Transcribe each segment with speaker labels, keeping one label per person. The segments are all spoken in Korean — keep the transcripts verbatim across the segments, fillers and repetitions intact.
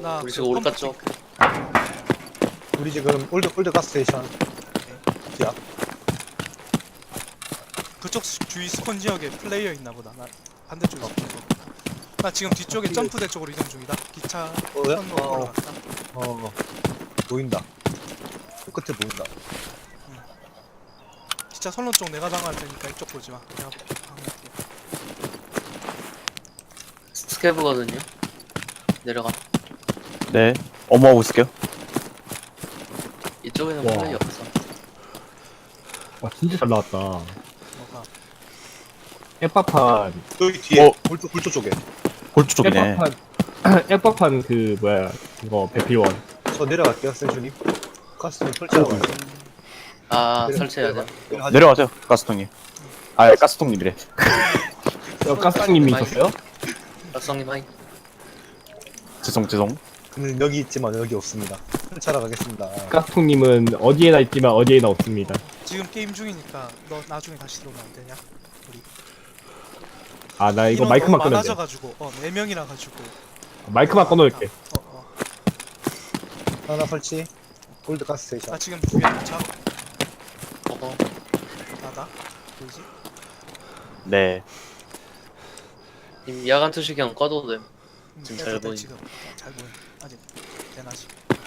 Speaker 1: 나
Speaker 2: 우리
Speaker 1: 그
Speaker 2: 지금 오르가
Speaker 1: 펌프
Speaker 2: 쪽.
Speaker 1: 핑크.
Speaker 3: 우리 지금 올드 올드 가스테이션 뒤야.
Speaker 1: 그쪽 수- 주위 스폰 지역에 플레이어 있나 보다. 나 반대쪽에 있어. 나 지금 뒤쪽에
Speaker 3: 어,
Speaker 1: 점프대 쪽으로 이동 중이다. 기차
Speaker 3: 어야?
Speaker 1: 선로
Speaker 3: 어,
Speaker 1: 올라갔다.
Speaker 3: 어 보인다. 그 끝에 보인다.
Speaker 1: 기차 선로 쪽 내가 당할 테니까 이쪽 보지 마. 내가 방해할게.
Speaker 2: 스케브거든요. 내려가.
Speaker 4: 네. 어머하고 있을게요.
Speaker 2: 이쪽에는
Speaker 5: 와.
Speaker 2: 플레이 없어.
Speaker 5: 와 진짜 잘 나왔다.
Speaker 1: 뭐가?
Speaker 5: 앱박판
Speaker 3: 여기 뒤에
Speaker 4: 어.
Speaker 3: 골조 골조 쪽에.
Speaker 4: 골조 쪽이네.
Speaker 5: 앱박판 앱박판 그 뭐야 이거 배필원.
Speaker 3: 저 내려갈게요, 센슈님. 가스테이션 설치하고 가요.
Speaker 2: 아
Speaker 3: 내려-
Speaker 2: 설치해야 돼.
Speaker 3: 내려가자.
Speaker 4: 내려가세요, 가스통님. 아, 가스통님이래.
Speaker 5: 저 가스님이
Speaker 2: 많이-
Speaker 5: 있었어요?
Speaker 2: 박성님 하이.
Speaker 4: 죄송, 죄송.
Speaker 3: 그는 여기 있지만 여기 없습니다. 설치하러 가겠습니다.
Speaker 5: 가스통님은 어디에나 있지만 어디에나 없습니다.
Speaker 1: 지금 게임 중이니까 너 나중에 다시 들어오면 안 되냐?
Speaker 5: 아 나 이거
Speaker 1: 인원
Speaker 5: 마이크만
Speaker 1: 너무
Speaker 5: 끄면 돼.
Speaker 1: 많아져가지고 어 네 명이라 가지고.
Speaker 5: 마이크만 꺼놓을게.
Speaker 1: 어 어.
Speaker 3: 하나 설치. 올드 가스테이션.
Speaker 1: 나 지금 뒤에 차
Speaker 2: 어허.
Speaker 1: 나다. 보이지?
Speaker 4: 네.
Speaker 2: 님 야간 투시경 꺼도 됨.
Speaker 1: 음,
Speaker 2: 지금
Speaker 1: 빼도
Speaker 2: 잘
Speaker 1: 돼,
Speaker 2: 보이네.
Speaker 1: 지금 어, 잘 보여. 아직 대낮이.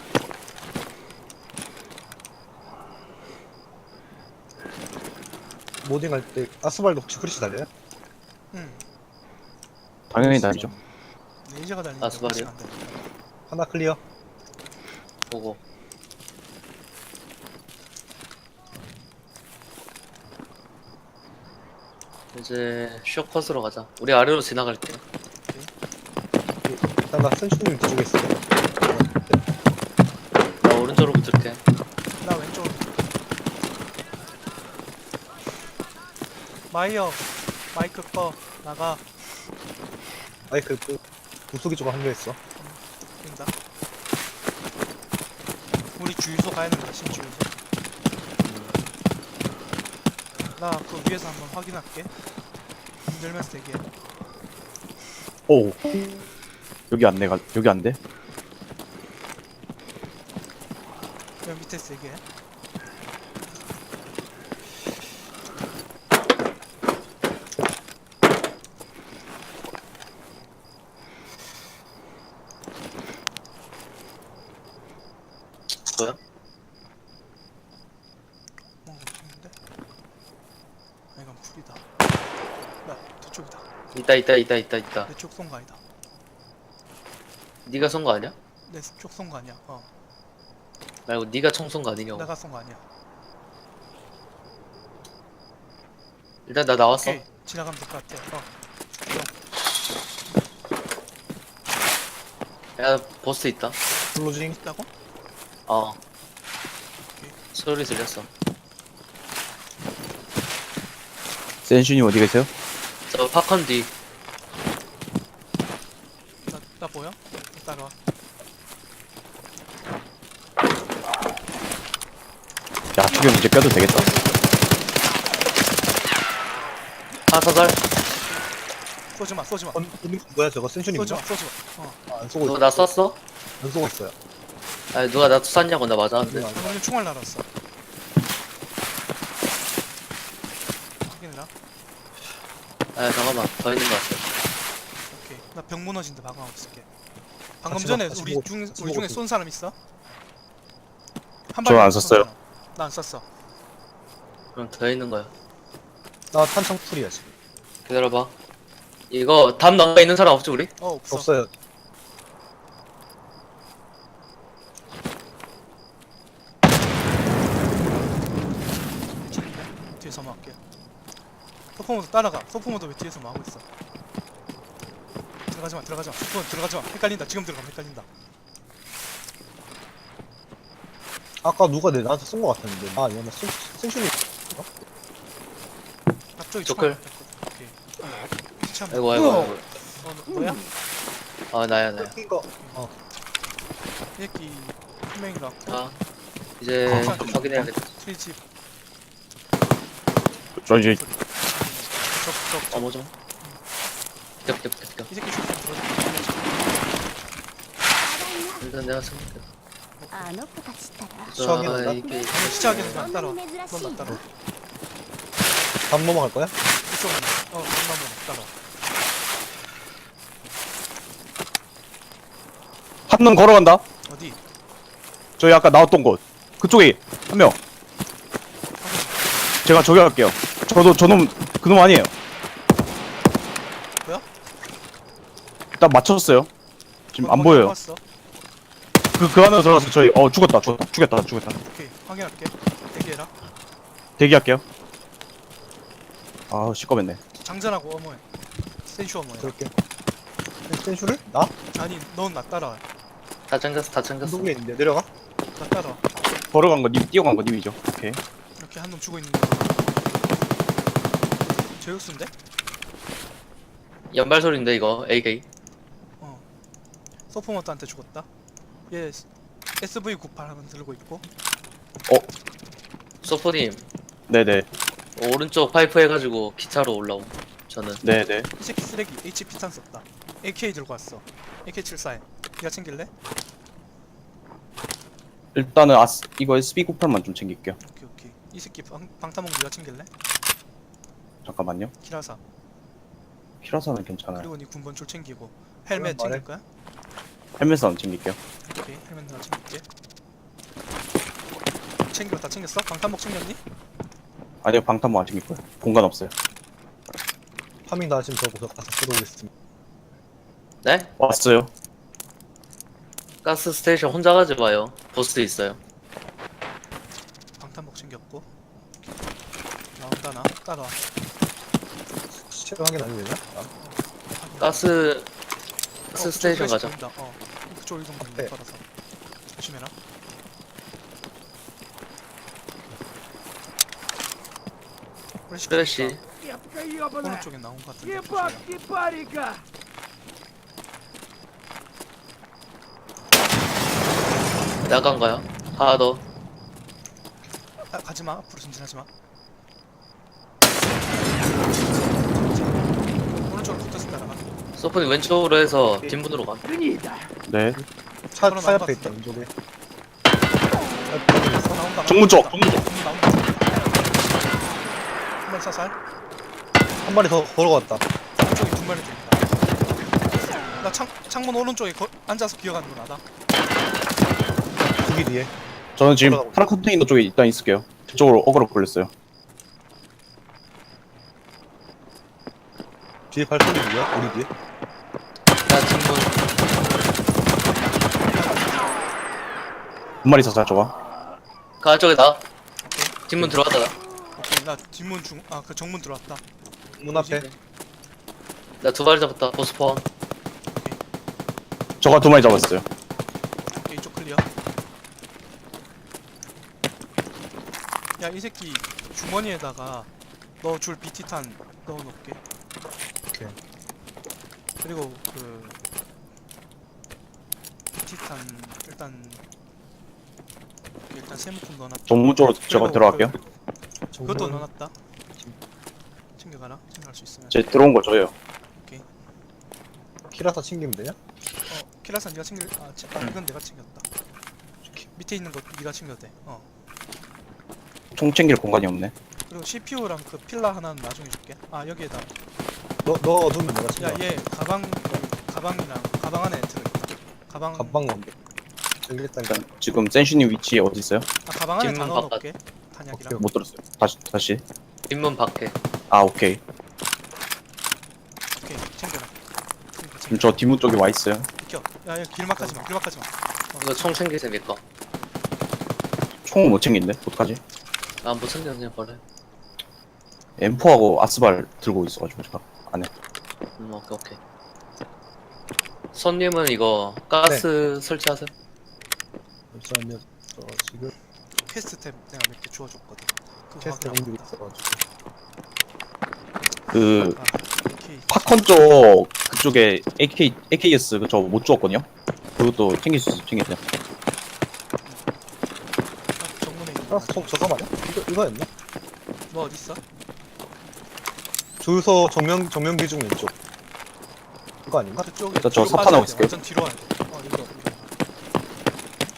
Speaker 3: 모딩할 때 아스발도 혹시 크리시 달려요?
Speaker 1: 응.
Speaker 4: 당연히 다르죠.
Speaker 1: 레이저가 달리는
Speaker 2: 아, 수발이요?
Speaker 1: 안 돼.
Speaker 3: 하나 클리어.
Speaker 2: 보고. 이제 쇼컷으로 가자. 우리 아래로 지나갈게.
Speaker 3: 일단 나 센슈님 뒤쪽에 있어.
Speaker 2: 나 오른쪽으로 붙을게.
Speaker 1: 나 왼쪽. 마이어 마이크 꺼 나가.
Speaker 3: 마이크 그 부수기 쪽으로 합류했어.
Speaker 1: 된다. 우리 주유소 가야 된다. 신주유소. 나 그 위에서 한번 확인할게. 흔들면서 대기해.
Speaker 4: 오. 여기 안 내가, 여기 안 돼?
Speaker 1: 여기 밑에서 대기해.
Speaker 2: 뭐야?
Speaker 1: 뭔가 없는데? 아 이건 풀이다. 나 저쪽이다.
Speaker 2: 있다 있다 있다 있다 있다.
Speaker 1: 내 쪽 쏜 거 아니다.
Speaker 2: 네가 쏜 거 아니야?
Speaker 1: 내 쪽 쏜 거 아니야. 어.
Speaker 2: 말고 네가 총 쏜 거 아니냐고.
Speaker 1: 내가 쏜 거 아니야.
Speaker 2: 일단 나 나왔어.
Speaker 1: 오케이. 지나가면 될 것 같아. 어.
Speaker 2: 야 보스 있다.
Speaker 3: 클로징.
Speaker 1: 있다고?
Speaker 2: 어. 소리 들렸어.
Speaker 4: 센슈님 어디 계세요?
Speaker 2: 저 팝콘 뒤.
Speaker 1: 나, 나 보여? 따라와.
Speaker 4: 야, 지금 이제 껴도 되겠다.
Speaker 2: 하사살.
Speaker 1: 쏘지 마. 쏘지 마.
Speaker 3: 건, 건, 뭐야 저거 센슈님인가?
Speaker 1: 쏘지 마. 쏘지 마. 어.
Speaker 3: 아, 안 쏘고
Speaker 2: 너
Speaker 3: 있어.
Speaker 2: 나 쐈어?
Speaker 3: 안 쏘고 있어요.
Speaker 2: 아니 누가 나 쐈냐고. 나 맞았는데.
Speaker 3: 응.
Speaker 1: 방금 총알 날았어. 확인해라.
Speaker 2: 아 잠깐만 더 있는 거 같아.
Speaker 1: 오케이. 나 병 무너진데 방어하고 있을게. 방금
Speaker 3: 같이
Speaker 1: 전에
Speaker 3: 먹- 같이
Speaker 1: 우리
Speaker 3: 먹-
Speaker 1: 중
Speaker 3: 같이
Speaker 1: 우리 중에
Speaker 3: 먹었어.
Speaker 1: 쏜 사람 있어? 한
Speaker 4: 저는 안
Speaker 1: 쏜
Speaker 4: 썼어요.
Speaker 1: 사람. 나안 쐈어.
Speaker 2: 그럼 더 있는 거야.
Speaker 3: 나 탄창 풀이야 지금.
Speaker 2: 기다려봐. 이거 담 넘가 있는 사람 없지 우리?
Speaker 1: 어 없어.
Speaker 3: 없어요.
Speaker 1: 괜찮은데? 뒤에서 막게. 소포모도 따라가. 소포모도 왜 뒤에서 막고 있어? 들어가지 마. 들어가지 마. 소포모 들어가지 마. 헷갈린다. 지금 들어가면 헷갈린다.
Speaker 3: 아까 누가 내 나한테 쏜 거 같았는데. 아, 얘는 센- 센슈님.
Speaker 1: 앞쪽이
Speaker 2: 조클.
Speaker 1: 오케이. 참.
Speaker 2: 아이고 아이고
Speaker 3: 우와.
Speaker 2: 아이고.
Speaker 1: 어, 너, 너야?
Speaker 2: 아 나야 나야.
Speaker 3: 이거 어.
Speaker 1: 이 새끼 한 명인 것 같고.
Speaker 2: 아 이제
Speaker 1: 어.
Speaker 2: 확인해야겠다.
Speaker 1: 트리집.
Speaker 4: 저 이제
Speaker 1: 적, 적, 적.
Speaker 2: 어머 좀. 겹겹겹겹.
Speaker 1: 이 새끼 좀 들어줘.
Speaker 2: 일단 내가 생각해.
Speaker 6: あの子たちったら
Speaker 3: 시작이란다?
Speaker 2: 아, 이게
Speaker 1: 시작에서 나 따라와.
Speaker 6: そんなに珍しい
Speaker 1: 넌 나 따라와.
Speaker 3: 밥 넘어갈 거야?
Speaker 1: 이쪽으로 나. 어, 엄마 따라와.
Speaker 4: 한 놈 걸어간다.
Speaker 1: 어디?
Speaker 4: 저희 아까 나왔던 곳. 그쪽에 한 명. 제가 저기 갈게요. 저도 저놈 그놈 아니에요.
Speaker 1: 뭐야?
Speaker 4: 일단 맞췄어요. 지금 안
Speaker 1: 거기
Speaker 4: 보여요.
Speaker 1: 왔어.
Speaker 4: 그 그 안으로 들어가서 저희 어 죽었다 죽었다 죽였다 죽였다.
Speaker 1: 오케이, 확인할게. 대기해라.
Speaker 4: 대기할게요. 아 시꺼맸네.
Speaker 1: 장전하고 어머해. 센슈 어머해.
Speaker 3: 그럴게. 센슈를? 나?
Speaker 1: 아니, 넌 나 따라와.
Speaker 2: 다 챙겼어, 다 챙겼어.
Speaker 3: 동네 있는데 내려가?
Speaker 1: 나 따라와.
Speaker 4: 걸어간 거 님, 뛰어간 거 님이죠. 오케이.
Speaker 1: 이렇게 한 놈 죽어 있는 거. 제육수인데?
Speaker 2: 연발 소리인데 이거 에이케이.
Speaker 1: 어. 서포먼트한테 죽었다. 얘 에스브이 구십팔 하면 들고 있고.
Speaker 2: 소포님
Speaker 4: 네네
Speaker 2: 오른쪽 파이프 해가지고 기차로 올라옴. 저는
Speaker 4: 네네.
Speaker 1: 이 새끼 쓰레기 에이치피 탄 썼다. 에이케이 들고 왔어. 에이케이 칠십사. 니가 챙길래?
Speaker 4: 일단은 아스 이거 에스비 구십팔만 좀 챙길게요.
Speaker 1: 오케이 오케이. 이 새끼 방, 방타몽 니가 챙길래?
Speaker 4: 잠깐만요.
Speaker 1: 키라사.
Speaker 4: 히라사는 괜찮아요.
Speaker 1: 그리고 니 군번줄 챙기고. 헬멧
Speaker 3: 그럼 말해.
Speaker 1: 챙길 거야?
Speaker 4: 헬멧은 안 챙길게요.
Speaker 1: 오케이. 헬멧 내가 챙길게. 챙겨 다 챙겼어? 방탄복 챙겼니?
Speaker 4: 아니요 방탄모 안 챙길 거예요. 공간 없어요.
Speaker 3: 파밍 다 지금 저 곳에 가서 들어오겠습니다.
Speaker 2: 네?
Speaker 4: 왔어요.
Speaker 2: 가스 스테이션 혼자 가지 마요. 보스 있어요.
Speaker 1: 방탄복 챙겼고. 나온다 나. 따라와.
Speaker 3: 시체 확인 안 되냐? 아,
Speaker 2: 가스
Speaker 1: 어,
Speaker 2: 가스 스테이션
Speaker 1: 그쪽
Speaker 2: 가자.
Speaker 1: 보인다. 어. 그쪽 이동 보인다.
Speaker 3: 네.
Speaker 1: 걸어서. 조심해라. 프레시.
Speaker 2: 프레시.
Speaker 1: 오른쪽에 나온 것 같은데. 조심해라.
Speaker 2: 나간가요? 하나 더.
Speaker 1: 아, 가지마. 앞으로 전진하지마. 오른쪽으로 붙어서 따라가.
Speaker 2: 소포님 왼쪽으로 해서 뒷문으로 가.
Speaker 4: 네.
Speaker 3: 차,
Speaker 1: 그럼
Speaker 3: 차
Speaker 1: 나온
Speaker 3: 옆에
Speaker 1: 것
Speaker 3: 있다
Speaker 1: 같은데.
Speaker 3: 왼쪽에. 아,
Speaker 1: 어, 나온다.
Speaker 4: 정문 쪽,
Speaker 1: 나온다.
Speaker 4: 정문 쪽.
Speaker 1: 나온다. 한발 사살.
Speaker 3: 한 마리 더 걸어갔다.
Speaker 1: 오른쪽에 두 마리 더 있다. 나 창, 창문 오른쪽에 거, 앉아서 기어가는 거 나다.
Speaker 3: 두기 뒤에.
Speaker 4: 저는 지금
Speaker 3: 올라가고
Speaker 4: 파란 컨테이너 쪽에 일단 있을게요. 그쪽으로 어그로 걸렸어요.
Speaker 3: 뒤에 발소리 누구야? 우리 뒤에?
Speaker 2: 나 뒷문.
Speaker 4: 두 마리 사살 저가.
Speaker 2: 가 저기다. 뒷문 들어갔다. 나.
Speaker 1: 오케이, 나 뒷문 중, 아, 그 정문 들어왔다.
Speaker 3: 문 앞에.
Speaker 2: 나 두 마리 잡았다. 보스 포함.
Speaker 4: 저가 두 마리 잡았어요.
Speaker 1: 오케이, 이쪽 클리어. 야, 이 새끼 주머니에다가 너 줄 비티탄 넣어놓을게.
Speaker 3: 오케이.
Speaker 1: 그리고 그 비티탄 일단 일단 세무품 넣어놨다.
Speaker 4: 정문 쪽으로 제가
Speaker 1: 그리고
Speaker 4: 들어갈게요.
Speaker 1: 그, 그것도 넣어놨다. 챙겨가라. 챙겨갈 수 있으면.
Speaker 4: 제 들어온 거 저예요.
Speaker 3: 키라사 챙기면 되냐?
Speaker 1: 어, 키라산 네가 챙길. 아, 채, 아 이건 내가 챙겼다. 밑에 있는 거 네가 챙겨도 돼. 어.
Speaker 4: 총 챙길 공간이 없네.
Speaker 1: 그리고 씨피유랑 그 필라 하나는 나중에 줄게. 아 여기에다.
Speaker 3: 너, 너 두면 내가 챙겨.
Speaker 1: 야 얘 가방 가방이랑 가방 안에 들어있다. 가방.
Speaker 3: 가방 넘게. 챙기겠다니까.
Speaker 4: 일단 지금 센슈님 위치에 어디 있어요?
Speaker 1: 아 가방 안에 다
Speaker 2: 뒷문
Speaker 1: 넣어놓을게. 탄약이랑.
Speaker 4: 못 들었어요. 다시 다시.
Speaker 2: 뒷문 밖에.
Speaker 4: 아 오케이.
Speaker 1: 오케이 챙겨라. 챙겨,
Speaker 4: 지금
Speaker 1: 챙겨.
Speaker 4: 저 뒷문 쪽에 와 있어요.
Speaker 1: 비켜. 야, 야 길막하지 마. 길막하지 마.
Speaker 2: 이거 총 챙기세요, 내 거.
Speaker 4: 총은 못 챙긴데 어떡하지?
Speaker 2: 아, 못 챙겨, 그냥 버려.
Speaker 4: 엠포하고 아스발 들고 있어가지고 제가 안에.
Speaker 2: 음, 오케이, 오케이. 손님은 이거 가스 설치하세요.
Speaker 3: 잠시만요. 저 지금
Speaker 1: 퀘스트 템 내가 몇 개 주워줬거든. 그거
Speaker 3: 테스트
Speaker 1: 확인하고
Speaker 3: 공들이
Speaker 1: 있다.
Speaker 3: 있어가지고.
Speaker 4: 그
Speaker 1: 아, 오케이.
Speaker 4: 팝콘 쪽 그쪽에 에이케이 에이케이에스 그저 못 주었거든요. 그것도 챙길 수 있어 챙기세요.
Speaker 1: 아, 정문에 있는
Speaker 3: 아,
Speaker 1: 거.
Speaker 3: 저, 저거 말이야? 이거, 이거였나?
Speaker 1: 뭐 어디 있어?
Speaker 3: 주유소 정면, 정면 기준 왼쪽. 이거 아닌가?
Speaker 1: 그쪽에.
Speaker 4: 일단 저
Speaker 1: 뒤로
Speaker 4: 사파
Speaker 1: 빠져야 돼.
Speaker 4: 나왔을게요.
Speaker 1: 완전 뒤로 와야 돼. 어, 이거. 이거.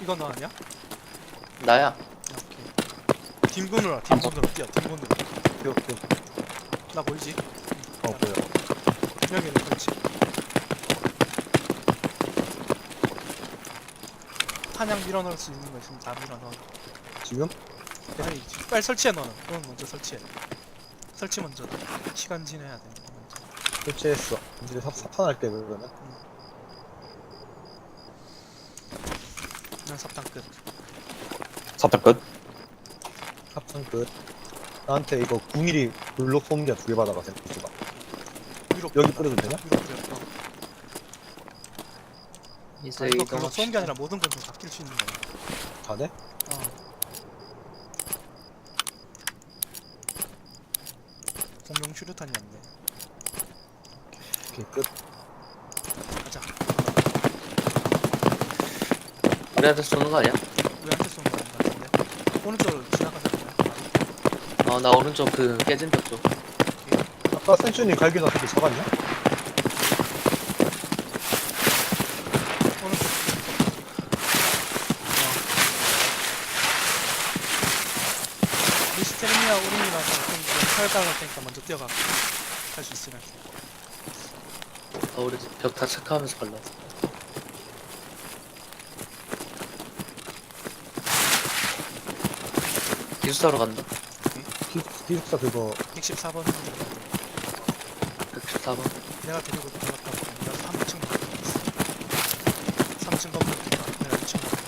Speaker 1: 이거 너 아니야?
Speaker 2: 나야.
Speaker 1: 야, 오케이. 뒷문으로 와. 뒷문으로 뛰어. 뒷문으로.
Speaker 3: 오케이 오케이.
Speaker 1: 나 보이지?
Speaker 3: 어 보여.
Speaker 1: 여기는 그렇지. 탄약 밀어넣을 수 있는 거 있으면 다 밀어넣어.
Speaker 3: 지금?
Speaker 1: 아니 빨리 설치해 너는. 너는 먼저 설치해. 설치 먼저. 시간 지내야 돼. 먼저.
Speaker 3: 설치했어. 이제 사, 사탄할게 그러면.
Speaker 1: 난 삽당 끝.
Speaker 4: 삽탑 끝.
Speaker 3: 합창 끝. 나한테 이거 구 밀리미터 블록 소음기가 두 개 받아가세요. 봐.
Speaker 1: 위로
Speaker 3: 여기
Speaker 1: 뿌려놔.
Speaker 3: 뿌려도 되냐?
Speaker 1: 위로 뿌려. 어.
Speaker 2: 이제
Speaker 1: 아, 이거
Speaker 2: 이동.
Speaker 1: 그거 쏘는 게 아니라 모든 건 좀 바뀔 수 있는 거야.
Speaker 3: 다 돼?
Speaker 1: 어. 공룡 슈루탄이었네.
Speaker 3: 오케이 끝.
Speaker 1: 가자.
Speaker 2: 우리한테 쏘는 거 아니야?
Speaker 1: 우리한테 쏘는 거 아닌 것 같은데. 오른쪽으로 지나가자.
Speaker 2: 어, 나 오른쪽 그 깨진 벽 쪽.
Speaker 3: 아까 센츄님 갈기 놨을 잡았냐?
Speaker 1: 오른쪽. 어. 미스테리미아 우린이라서 좀 살살 테니까 먼저 뛰어가. 갈 수 있으면.
Speaker 2: 어, 우리 벽 다 체크하면서 갈라. 기숙사로 간다.
Speaker 3: 기, 기숙사 그거
Speaker 1: 백십사 번.
Speaker 2: 백십사 번.
Speaker 1: 내가 데리고 들어갔다 오고 내가 삼 층 가고 있어. 삼 층 건물 있다. 내가 이 층 가고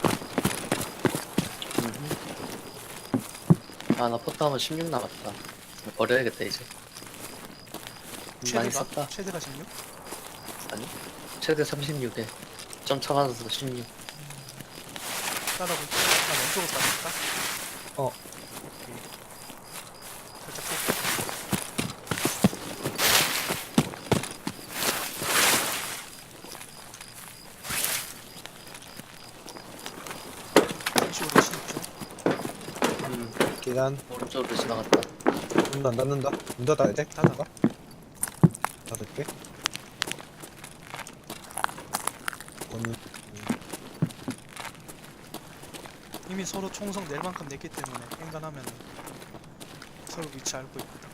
Speaker 1: 있어.
Speaker 2: 아, 나 포트하면 십육 남았다. 버려야겠다, 이제. 많이
Speaker 1: 최대가?
Speaker 2: 썼다.
Speaker 1: 최대가 십육?
Speaker 2: 아니? 최대 삼십육에. 점 차가서 십육.
Speaker 1: 따라고 있어. 나 왼쪽으로 따라갈까?
Speaker 3: 어.
Speaker 1: 오케이. 살짝 쏠게. 잠시 우리 진입 중.
Speaker 2: 음,
Speaker 3: 계단
Speaker 2: 오른쪽으로 지나갔다.
Speaker 3: 문도 안 닫는다. 문 닫아야 돼?
Speaker 1: 닫아.
Speaker 3: 닫을게. 오늘
Speaker 1: 이미 서로 총성 낼 만큼 냈기 때문에 앵간하면 서로 위치 알고 있거든.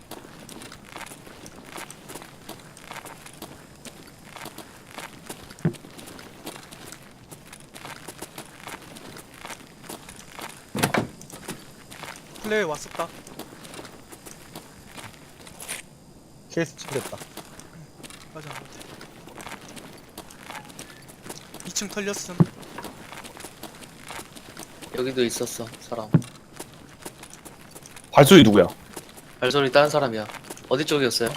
Speaker 1: 플레이 왔었다.
Speaker 3: 케이스 챙겼다.
Speaker 1: 맞아 맞아. 이 층 털렸음.
Speaker 2: 여기도 있었어, 사람.
Speaker 4: 발소리 누구야?
Speaker 2: 발소리 다른 사람이야. 어디 쪽이었어요?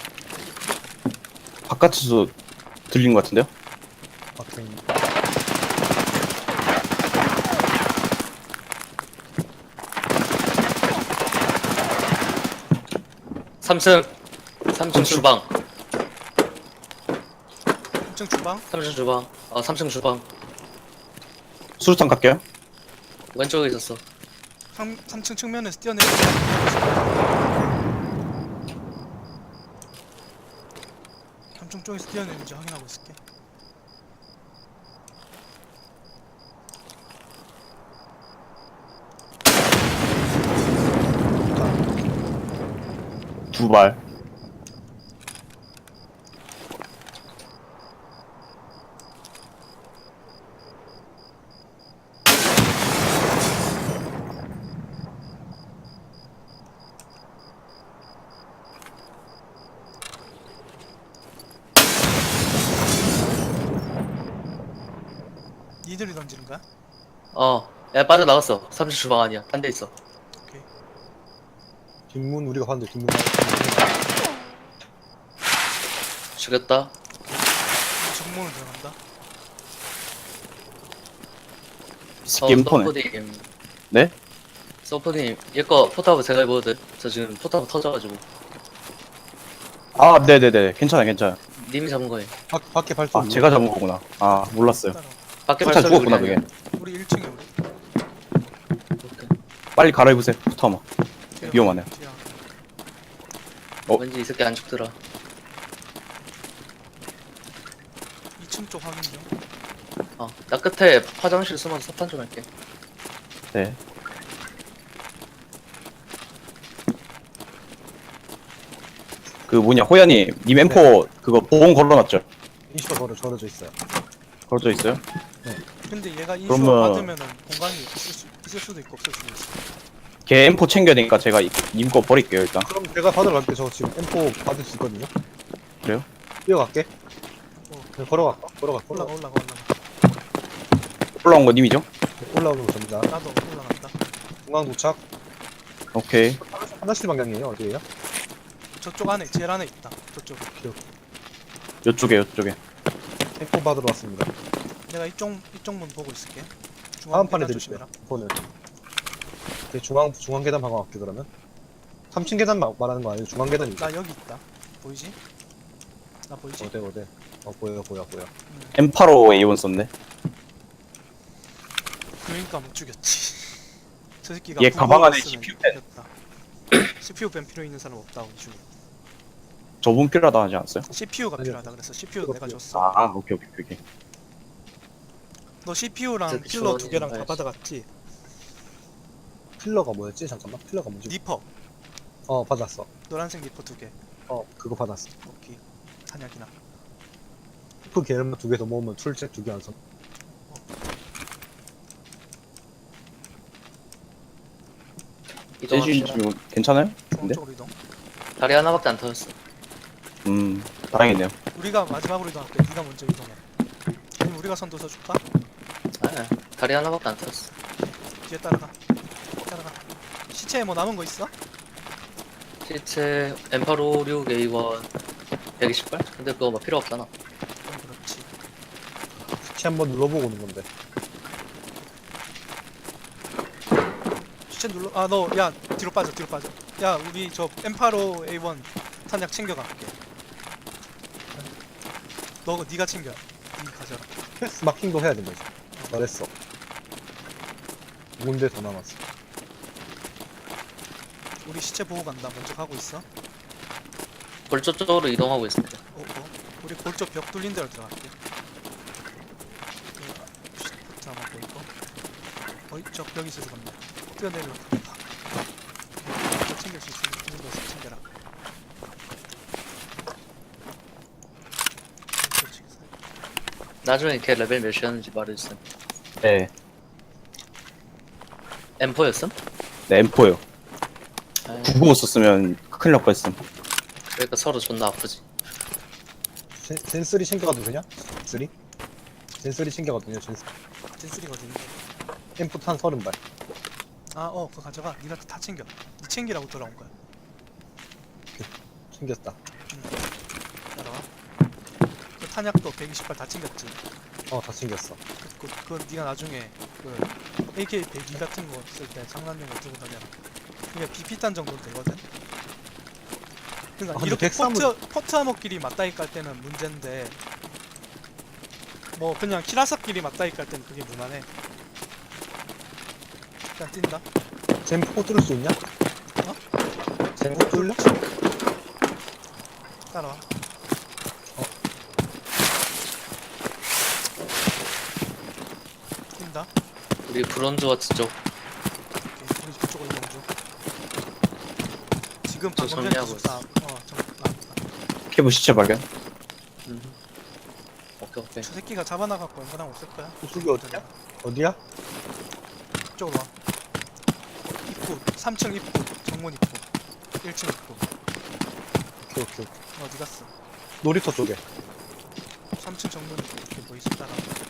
Speaker 4: 바깥에서 들린 것 같은데요?
Speaker 3: 박생.
Speaker 2: 삼 층. 삼 층 주방.
Speaker 1: 삼 층 주방.
Speaker 2: 삼 층 주방. 어, 삼 층 주방.
Speaker 4: 수류탄 갈게요.
Speaker 2: 왼쪽에 있었어.
Speaker 1: 삼, 삼 층 측면에서 뛰어내려. 삼 층 쪽에서 뛰어내는지 확인하고 있을게.
Speaker 4: 두 발.
Speaker 1: 니들이 던지는 거야?
Speaker 2: 어. 야, 빠져나갔어. 삼 층 주방 아니야. 딴 데 있어.
Speaker 1: 오케이.
Speaker 3: 뒷문 우리가 봤는데 뒷문.
Speaker 2: 죽였다.
Speaker 1: 정문을 들어간다.
Speaker 2: 어,
Speaker 4: 스킨 폰에.
Speaker 2: 서포님.
Speaker 4: 네?
Speaker 2: 서포님. 얘거 포탑을 제가 입어도 돼? 저 지금 포탑 터져가지고.
Speaker 4: 아, 네네네. 괜찮아요, 괜찮아요.
Speaker 2: 님이 잡은 거예요.
Speaker 3: 밖 밖에 발소.
Speaker 4: 아, 제가 잡은 거구나. 아, 몰랐어요.
Speaker 1: 따라와.
Speaker 2: 밖에
Speaker 4: 포탄
Speaker 2: 발소리 우리
Speaker 4: 죽었구나,
Speaker 2: 아니야.
Speaker 4: 그게.
Speaker 1: 우리 일 층에 우리.
Speaker 2: 오케이.
Speaker 4: 빨리 갈아입으세요, 포타마.
Speaker 1: 뒤에
Speaker 4: 위험하네.
Speaker 1: 뒤에 와.
Speaker 4: 어?
Speaker 2: 왠지 이 새끼 안 죽더라.
Speaker 1: 이 층 쪽 확인 중.
Speaker 2: 어, 나 끝에 화장실 숨어서 석탄 좀 할게.
Speaker 4: 네. 그 뭐냐 호야님 님 엠포 그거 보험 걸어놨죠?
Speaker 3: 이슈가 걸어 절어져 있어요.
Speaker 4: 걸어져 있어요?
Speaker 1: 근데 얘가 인슈
Speaker 4: 그러면-
Speaker 1: 받으면은 공간이 있을, 수, 있을 수도 있고 없을 수도 있어.
Speaker 4: 걔 엠포 챙겨야 되니까 제가 님 거 버릴게요 일단.
Speaker 3: 그럼 제가 받으러 갈게. 저 지금 엠포 받을 수 있거든요.
Speaker 4: 그래요?
Speaker 3: 뛰어갈게.
Speaker 1: 어.
Speaker 3: 그냥 걸어갈까? 걸어가.
Speaker 1: 올라가
Speaker 3: 올라가.
Speaker 1: 올라가 올라가.
Speaker 4: 올라온 거 님이죠?
Speaker 3: 올라오는 거 접니다.
Speaker 1: 나도 올라간다.
Speaker 3: 중앙 도착.
Speaker 4: 오케이.
Speaker 3: 하나씩 방향이에요. 어디에요?
Speaker 1: 저쪽 안에 제일 안에 있다. 저쪽에.
Speaker 4: 요쪽에 요쪽에.
Speaker 3: 엠포 받으러 왔습니다.
Speaker 1: 내가 이쪽 이쪽 문 보고 있을게.
Speaker 3: 다음 판에
Speaker 1: 계단
Speaker 3: 드릴게요.
Speaker 1: 조심해라.
Speaker 3: 엠포는. 오케이, 중앙 중앙 계단 방어 갈게 그러면. 삼 층 계단 마- 말하는 거 아니에요? 중앙 계단이.
Speaker 1: 나 여기 있다. 보이지? 나 보이지?
Speaker 3: 어디 어디. 어 보여 보여 보여.
Speaker 4: 엠 팔오 에이 원 썼네.
Speaker 1: 그러니까 못 죽였지. 저 새끼가
Speaker 4: 얘 가방 안에
Speaker 1: 구구였으면
Speaker 4: 씨피유 펜.
Speaker 1: 죽였다. 씨피유 펜 필요 있는 사람 없다고 죽.
Speaker 4: 저분 필요하다 하지 않았어요?
Speaker 1: 씨피유가
Speaker 3: 아니요.
Speaker 1: 필요하다 그래서 씨피유
Speaker 3: 그거
Speaker 1: 내가
Speaker 3: 필요.
Speaker 1: 줬어.
Speaker 4: 아 오케이 오케이 오케이.
Speaker 1: 너 씨피유랑
Speaker 2: 저기
Speaker 1: 필러 두
Speaker 2: 주원이
Speaker 1: 개랑 다
Speaker 2: 가야지.
Speaker 1: 받아갔지?
Speaker 3: 필러가 뭐였지? 잠깐만. 필러가 뭐지?
Speaker 1: 니퍼
Speaker 3: 어 받았어.
Speaker 1: 노란색 니퍼 두 개.
Speaker 3: 어 그거 받았어.
Speaker 1: 오케이. 한약이나.
Speaker 3: 그 게르마 두 개 더 모으면 출첵 두 개 완성.
Speaker 4: 세시
Speaker 2: 이동합시다.
Speaker 4: 지금 괜찮아요?
Speaker 1: 중앙
Speaker 4: 근데?
Speaker 1: 쪽으로 이동.
Speaker 2: 다리 하나밖에 안 터졌어.
Speaker 4: 음 다행이네요.
Speaker 1: 우리가 마지막으로 이동할게. 네가 먼저 이동해. 아니면 우리가 선도 서줄까?
Speaker 2: 아, 다리 하나밖에 안 터졌어.
Speaker 1: 뒤에 따라가. 따라가. 시체에 뭐 남은 거 있어?
Speaker 2: 시체 엠 팔오육 에이 원 백이십 발? 근데 그거 뭐 필요 없잖아.
Speaker 1: 그럼 그렇지.
Speaker 3: 키 한번 눌러보고 오는 건데.
Speaker 1: 시체 눌러. 아 너 야 뒤로 빠져 뒤로 빠져. 야 우리 저 엠 팔오 에이 원 탄약 챙겨갈게. 너 네가 챙겨. 니 가져라.
Speaker 3: 패스 마킹도 해야 된다. 이제. 잘했어. 두 군데 더 남았어.
Speaker 1: 우리 시체 보고 간다. 먼저 가고 있어.
Speaker 2: 골조 쪽으로 이동하고 있습니다.
Speaker 1: 어, 어. 우리 골조 벽 뚫린 데로 들어갈게. 포트 하나 보이고. 어이, 저 벽이 있어서 간다. 뛰어내려. 저 챙길 수 있으면 있는 거 챙겨라. 그렇지.
Speaker 2: 나중에 걔 레벨 몇이었는지 말해주세요.
Speaker 4: 네.
Speaker 2: 엠 포였음?
Speaker 4: 네 엠 포요.
Speaker 2: 아,
Speaker 4: 구구오 썼으면 큰일 날 뻔했음.
Speaker 2: 그러니까 서로 존나 아프지.
Speaker 3: 젠, 젠쓰리 챙겨가도 되냐? 젠쓰리? 젠쓰리 챙겨가도 되냐? 젠쓰리.
Speaker 1: 젠쓰리거든.
Speaker 3: 엠프 탄 서른 발.
Speaker 1: 아, 어, 그거 가져가. 니가 다 챙겨. 니 챙기라고 돌아온 거야.
Speaker 3: 챙겼다.
Speaker 1: 따라와. 그 탄약도 백이십 발 다 챙겼지.
Speaker 3: 어, 다 챙겼어.
Speaker 1: 그, 그, 그건 니가 나중에 그 에이케이 백이 같은 거 쓸 때 장난용으로 들고 다녀라. 그게 비피탄 정도는 되거든. 그러니까
Speaker 3: 아, 근데
Speaker 1: 이렇게
Speaker 3: 백삼은
Speaker 1: 포트 포트 암호끼리 맞다이 깔 때는 문제인데 뭐 그냥 키라사끼리 맞다이 깔 때는 그게 무난해. 일단 뛴다.
Speaker 3: 젠포 뚫을 수 있냐?
Speaker 1: 어?
Speaker 3: 젠포 뚫려?
Speaker 1: 따라와. 뛴다.
Speaker 2: 우리 브론즈워치 쪽
Speaker 1: 오케이, 우리 그쪽으로 이동 중. 지금
Speaker 2: 저
Speaker 1: 방금 전에
Speaker 2: 정리하고
Speaker 1: 기숙사 앞- 어, 정, 아,
Speaker 4: 케이블 시체 발견.
Speaker 2: 음. 오케이 오케이.
Speaker 1: 저 새끼가 잡아나갖고 연관함 없을 거야.
Speaker 3: 이쪽이 어디야? 어디야?
Speaker 1: 이쪽으로 와. 입구, 삼 층 입구, 정문 입구, 일 층 입구.
Speaker 3: 오케이, 오케이, 오케이.
Speaker 1: 어디 갔어?
Speaker 3: 놀이터 쪽에.
Speaker 1: 삼 층 정문 입구 이렇게 뭐 있었다라.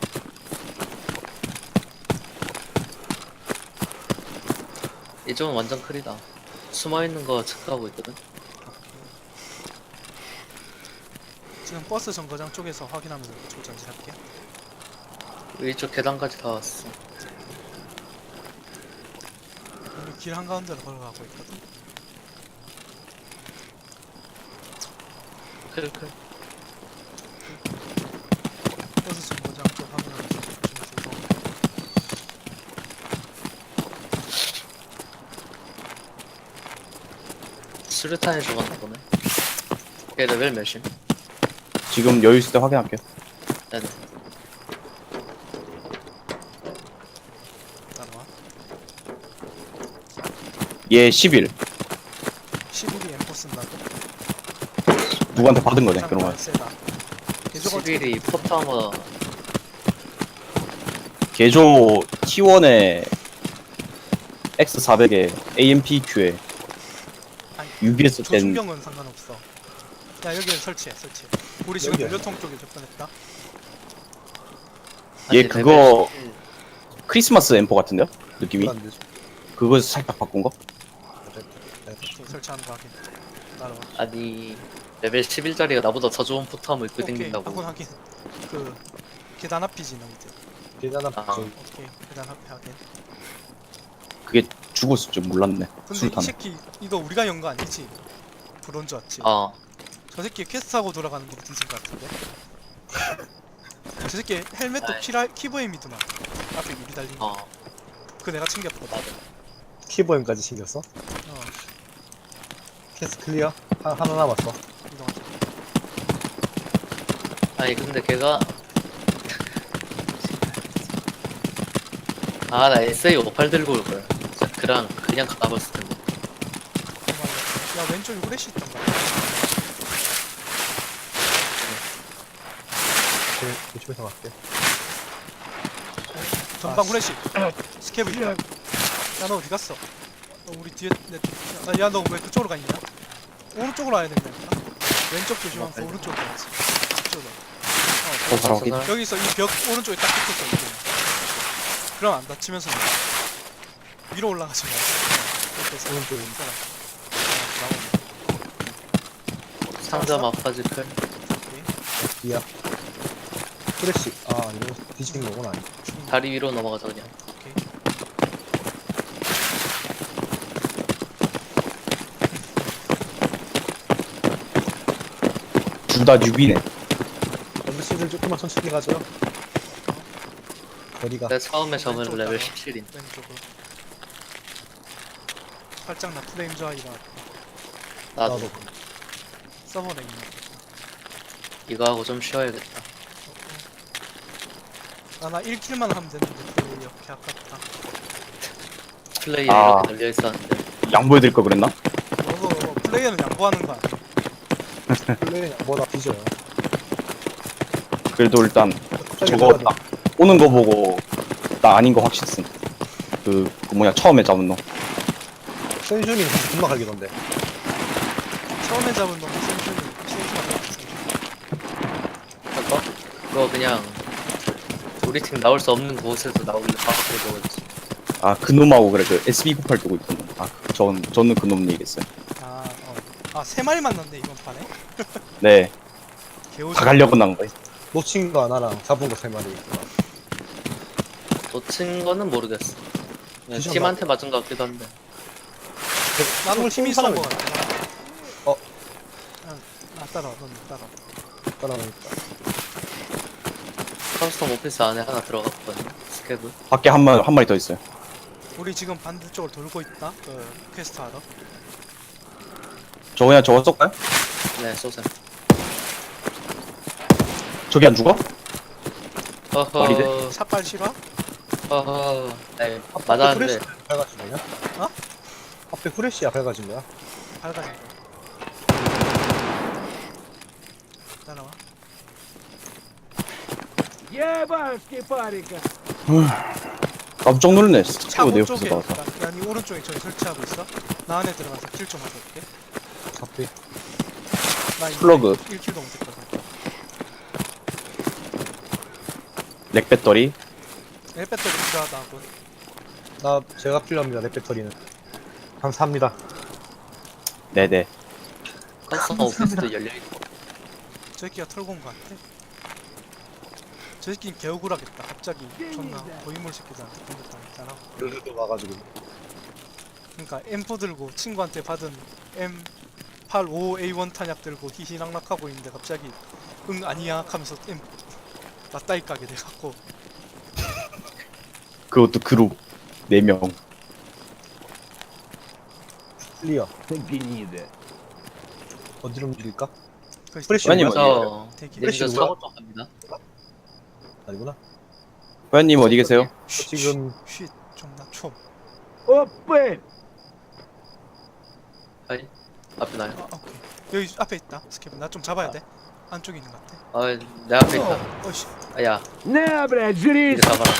Speaker 2: 이쪽은 완전 클이다. 숨어있는 거 체크하고 있거든.
Speaker 1: 지금 버스 정거장 쪽에서 확인하면서 저 전진할게.
Speaker 2: 이쪽 계단까지 다 왔어.
Speaker 1: 우리 길 한가운데로 걸어가고 있거든.
Speaker 2: 클클.
Speaker 1: 버스 정거장 쪽 확인하면서 조심해서 이동.
Speaker 2: 수류탄에 죽었나 보네. 걔 레벨 몇임?
Speaker 4: 지금 여유 있을 때 확인할게요.
Speaker 2: 네네.
Speaker 4: 얘 십일.
Speaker 1: 십일이 엠포 쓴다고?
Speaker 4: 누구한테 받은 거네,
Speaker 1: 장난
Speaker 4: 그러면.
Speaker 1: 세다. 개조가 어떻게
Speaker 2: 십일이 포타머
Speaker 4: 개조 티 원에 엑스 사백에 에이엠피큐에
Speaker 1: 아니,
Speaker 4: 유비에스 땐
Speaker 1: 조준경은 상관없어. 야 여기에 설치해 설치해. 우리 지금
Speaker 3: 여기야.
Speaker 1: 연료통 쪽에 접근했다.
Speaker 4: 얘
Speaker 2: 아직
Speaker 4: 그거-
Speaker 2: 레벨 십칠.
Speaker 4: 크리스마스 엠포 같은데요? 느낌이?
Speaker 3: 안 되죠.
Speaker 4: 그거에서 살짝 바꾼 거?
Speaker 1: 오케이, 설치하는 거 확인. 따라와.
Speaker 2: 아니 레벨 십일짜리가 나보다 더 좋은 포타머 입고
Speaker 1: 오케이
Speaker 2: 댕긴다고.
Speaker 1: 확인 확인. 그 계단 앞이지 너희들.
Speaker 3: 계단 앞
Speaker 2: 아.
Speaker 3: 저기
Speaker 1: 오케이 계단 앞에 확인.
Speaker 4: 그게 죽었을 줄 몰랐네.
Speaker 1: 근데 이
Speaker 4: 술탄.
Speaker 1: 새끼 이거 우리가 연 거 아니지? 브론즈 왔지?
Speaker 2: 아
Speaker 1: 저 새끼 퀘스트하고 돌아가는 거 뒤진 것 같은데? 저 새끼 헬멧도
Speaker 2: 아이.
Speaker 1: 키라, 키보엠이더만 앞에 유리 달린 거.
Speaker 2: 어.
Speaker 1: 그거 내가 챙겼거든.
Speaker 3: 키보엠까지 챙겼어?
Speaker 1: 어
Speaker 3: 캐스 클리어? 하, 하나 남았어.
Speaker 1: 이동하자.
Speaker 2: 아니 근데 걔가 아 나 에스에이 오십팔 들고 올 거야. 진짜 그랑 그냥 가봤을 텐데.
Speaker 1: 야 왼쪽에 후레쉬 있던가.
Speaker 3: 그, 이쪽에서 갈게.
Speaker 1: 전방
Speaker 3: 아,
Speaker 1: 후레쉬. 스케브 있다. 야너 어디 갔어? 너 우리 뒤에 내. 야너 왜 그쪽으로 가 있냐? 오른쪽으로 와야 된다니까. 왼쪽 조심하면서
Speaker 2: 어,
Speaker 1: 오른쪽으로 가야지. 이쪽으로.
Speaker 4: 저
Speaker 1: 어,
Speaker 4: 사람 어디?
Speaker 2: 사람?
Speaker 1: 여기 있어. 이 벽 오른쪽에 딱 붙었어. 이거. 그럼 안 다치면서 나가. 위로 올라가지 말고. 옆에서
Speaker 3: 오른쪽에
Speaker 1: 있어라. 어,
Speaker 2: 상자 마파지 클.
Speaker 1: 나오네. 오케이.
Speaker 3: 뒤야. 프레쉬. 아, 이거 뒤지는 거구나.
Speaker 2: 다리 위로 넘어가자 그냥.
Speaker 1: 오케이.
Speaker 4: 둘 다 뉴비네.
Speaker 3: 언더시들 조금만 천천히 가죠. 거리가.
Speaker 2: 내가 처음에 접은
Speaker 1: 왼쪽
Speaker 2: 레벨
Speaker 1: 따라와.
Speaker 2: 십칠인.
Speaker 1: 왼쪽으로. 살짝 나 프레임 저하이가
Speaker 2: 나도
Speaker 3: 나도.
Speaker 1: 서버에 있는.
Speaker 2: 이거 하고 좀 쉬어야겠다.
Speaker 1: 아나 일 킬만 하면 되는데 플레이 이렇게 아깝다.
Speaker 2: 플레이어
Speaker 4: 아.
Speaker 2: 이렇게 달려 있었는데.
Speaker 4: 양보해드릴 걸 그랬나?
Speaker 1: 너도 플레이어는 양보하는 거 아니야?
Speaker 3: 플레이 뭐나 뒤져요.
Speaker 4: 그래도 일단
Speaker 3: 갑자기
Speaker 4: 저거
Speaker 3: 들어가도-
Speaker 4: 딱 오는 거 보고 나 아닌 거 확실했음. 그, 그 뭐냐 처음에 잡은 놈.
Speaker 3: 센슈님 금방 갈기던데.
Speaker 1: 처음에 잡은 놈은 센슈는 센슈가
Speaker 2: 그거? 그거 그냥 우리 팀 나올 수 없는 곳에서 나오길래 바로 들어오지.
Speaker 4: 아 그 놈하고 그래 그 에스비 구십팔 두고 있던 놈. 아전 저는 그 놈 얘기했어요.
Speaker 1: 아, 어. 아, 세 마리 만났네, 이번 판에.
Speaker 4: 네,
Speaker 1: 개오지.
Speaker 4: 다 가려고 난 거예요.
Speaker 3: 놓친 거 하나랑 잡은 거 세 마리.
Speaker 2: 놓친 거는 모르겠어. 그냥
Speaker 3: 기존
Speaker 2: 팀한테 맞은 것 같기도 한데.
Speaker 1: 나도 팀이 쏜
Speaker 3: 사람이
Speaker 1: 거 같아.
Speaker 3: 어.
Speaker 1: 아, 나 따라와, 넌 따라와.
Speaker 3: 따라오니까.
Speaker 2: 커스텀 오피스 안에 하나 들어갔거든요. 스케브.
Speaker 4: 밖에 한 마리 한 마리 더 있어요.
Speaker 1: 우리 지금 반대쪽으로 돌고 있다. 그 퀘스트 하러.
Speaker 4: 저 그냥 저거 쏠까요?
Speaker 2: 네, 쏘셈.
Speaker 4: 저기 안 죽어? 머리대?
Speaker 2: 허허.
Speaker 1: 샷발 실화?
Speaker 2: 허허. 네,
Speaker 3: 앞에
Speaker 2: 맞았는데.
Speaker 3: 후레쉬 밝아진 거냐?
Speaker 1: 어?
Speaker 3: 앞에 후레쉬야 밝아진 거야?
Speaker 1: 밝아진 거. 따라와.
Speaker 4: 깜짝 놀랐네.
Speaker 1: 차
Speaker 4: 스티브 내 옆에서
Speaker 1: 오쪽에
Speaker 4: 나와서.
Speaker 1: 있다. 야니 오른쪽에 저기 설치하고 있어. 나 안에 들어가서 킬 좀 하고 올게.
Speaker 3: 앞에.
Speaker 1: 나 이제
Speaker 4: 플러그.
Speaker 1: 일 킬도 못했거든.
Speaker 4: 렉 배터리.
Speaker 1: 내 배터리 필요하다 하고.
Speaker 3: 나 제가 필요합니다. 내 배터리는. 감사합니다.
Speaker 4: 네네.
Speaker 2: 커스텀 오피스도 열려있고.
Speaker 1: 저 새끼가 털고 온 거 같아. 저 새끼는 개억울하겠다. 갑자기 존나 고인물 새끼들한테 공격당했잖아.
Speaker 3: 르르도 와가지고.
Speaker 1: 그러니까 엠포 들고 친구한테 받은 엠 팔십오 에이 원 탄약 들고 희희낙낙하고 있는데 갑자기 응 아니야 하면서 엠 맞다이 까게 돼갖고
Speaker 4: 그것도 그룹 네 명.
Speaker 3: 클리어. 어디로 움직일까?
Speaker 1: 그
Speaker 3: 프레쉬
Speaker 4: 아니,
Speaker 3: 뭐야?
Speaker 2: 저,
Speaker 1: 대기.
Speaker 2: 님저
Speaker 3: 프레쉬
Speaker 2: 사고 쪽 갑니다.
Speaker 3: 아니구나.
Speaker 4: 호연님 어디 계세요?
Speaker 1: 쉿,
Speaker 3: 지금
Speaker 1: 쉿 존나 총.
Speaker 2: 하이 앞에 나요.
Speaker 1: 아 오케이. 여기 앞에 있다. 스케브 나 좀 잡아야 돼. 안쪽에 있는 것 같아.
Speaker 2: 아내 앞에 있다.
Speaker 1: 어, 어이씨.
Speaker 2: 아야
Speaker 5: Не, блядь, жри!
Speaker 2: 이제 가봐라.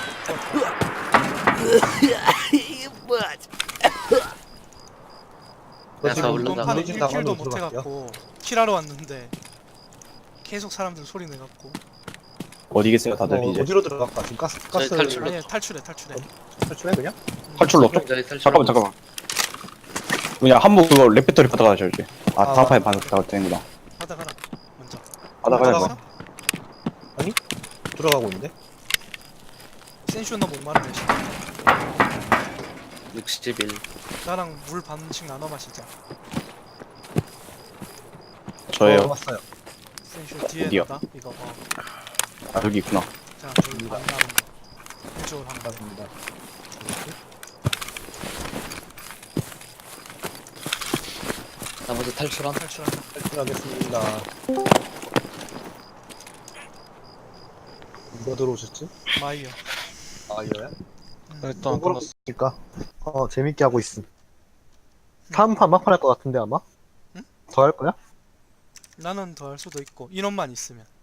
Speaker 3: 너
Speaker 2: 야,
Speaker 3: 지금
Speaker 2: 올라가.
Speaker 1: 이번 판
Speaker 3: 물리진
Speaker 1: 일 킬도
Speaker 3: 당하면
Speaker 1: 못
Speaker 3: 들어갈게요.
Speaker 1: 해갖고 킬하러 왔는데 계속 사람들 소리 내갖고.
Speaker 4: 어디 계세요 다들
Speaker 3: 어,
Speaker 4: 이제?
Speaker 3: 어디로 들어갈까? 지금 가스 가스
Speaker 2: 저희 탈출로.
Speaker 1: 아니 탈출해 탈출해.
Speaker 3: 탈출해 그냥?
Speaker 4: 탈출로 쪽?
Speaker 2: 저희 탈출.
Speaker 4: 잠깐만 잠깐만. 그냥 한번 그거 랩배터리 받아가죠 이제. 아
Speaker 3: 아,
Speaker 4: 다음판에 받아도 되는구나.
Speaker 1: 하다 가라. 먼저.
Speaker 4: 받아가야
Speaker 3: 받아가.
Speaker 4: 돼.
Speaker 3: 들어가고 있는데?
Speaker 1: 센슈 너 목마르네. 씨.
Speaker 2: 육십일.
Speaker 1: 나랑 물 반씩 나눠 마시자.
Speaker 4: 저예요.
Speaker 3: 어, 왔어요.
Speaker 1: 센슈 뒤에
Speaker 4: 어디요?
Speaker 1: 나다. 이거 어.
Speaker 4: 아, 여기 있구나.
Speaker 1: 자 여기 반 나눈 거. 이쪽으로 한 거.
Speaker 3: 감사합니다.
Speaker 2: 나 먼저 탈출한.
Speaker 1: 탈출한다.
Speaker 3: 탈출하겠습니다. 누가 들어오셨지?
Speaker 1: 마이어.
Speaker 3: 아 이거야?
Speaker 1: 음.
Speaker 3: 일단 끝났으니까 어 재밌게 하고 있음. 다음 판 막판 할 것 같은데 아마?
Speaker 1: 응?
Speaker 3: 더 할 거야?
Speaker 1: 나는 더 할 수도 있고 인원만 있으면.